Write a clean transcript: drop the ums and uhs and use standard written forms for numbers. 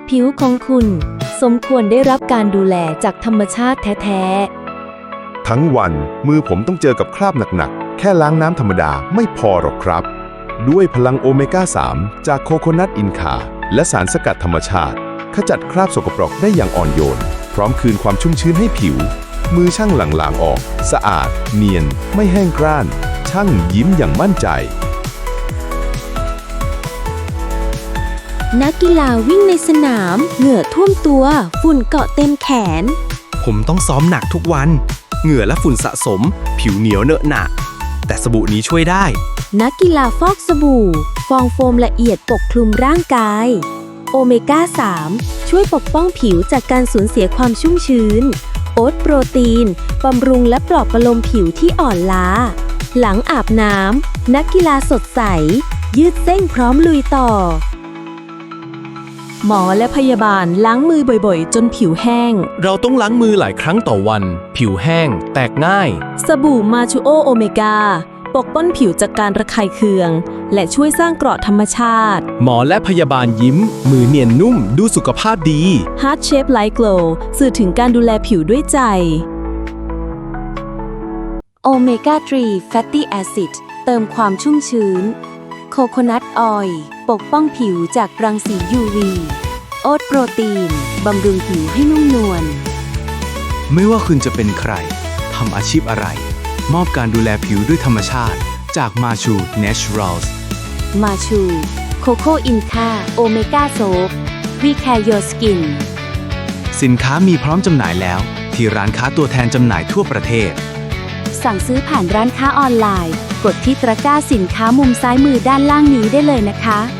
ผิวของคุณสมควรได้รับการดูแลจากธรรมชาติแท้ๆทั้งวันมือผมต้องเจอกับคราบหนักๆแค่ล้างน้ำธรรมดาไม่พอหรอกครับด้วยพลังโอเมก้า 3 จากโคโคนัทอินคาและสารสกัดธรรมชาติขจัดคราบสกปรกได้อย่างอ่อนโยนพร้อมคืนความชุ่มชื้นให้ผิวมือช่างหลังๆออกสะอาดเนียนไม่แห้งกร้านช่างยิ้มอย่างมั่นใจนักกีฬาวิ่งในสนามเหงื่อท่วมตัวฝุ่นเกาะเต็มแขนผมต้องซ้อมหนักทุกวันเหงื่อและฝุ่นสะสมผิวเหนียวเหนอะหนะแต่สบู่นี้ช่วยได้นักกีฬาฟอกสบู่ฟองโฟมละเอียดปกคลุมร่างกายโอเมก้า 3 ช่วยปกป้องผิวจากการสูญเสียความชุ่มชื้นโอ๊ตโปรตีนบำรุงและปลอบประโลมผิวที่อ่อนล้าหลังอาบน้ำนักกีฬาสดใสยืดเส้นพร้อมลุยต่อหมอและพยาบาลล้างมือบ่อยๆจนผิวแห้งเราต้องล้างมือหลายครั้งต่อวันผิวแห้งแตกง่ายสบู่มาชูโอโอเมก้าปกป้องผิวจากการระคายเคืองและช่วยสร้างเกราะธรรมชาติหมอและพยาบาลยิ้มมือเนียนนุ่มดูสุขภาพดี Heart Shape Light Glow สื่อถึงการดูแลผิวด้วยใจโอเมก้า 3 Fatty Acid เติมความชุ่มชื้นโคโคนัทออยล์ปกป้องผิวจากรังสี UV โอ๊ตโปรตีนบำรุงผิวให้นุ่มนวลไม่ว่าคุณจะเป็นใครทำอาชีพอะไรมอบการดูแลผิวด้วยธรรมชาติจากมาชู Naturals มาชูโคโค่อินคาโอเมก้าโซฟ We Care Your Skin สินค้ามีพร้อมจำหน่ายแล้วที่ร้านค้าตัวแทนจำหน่ายทั่วประเทศสั่งซื้อผ่านร้านค้าออนไลน์กดที่ตะกร้าสินค้ามุมซ้ายมือด้านล่างนี้ได้เลยนะคะ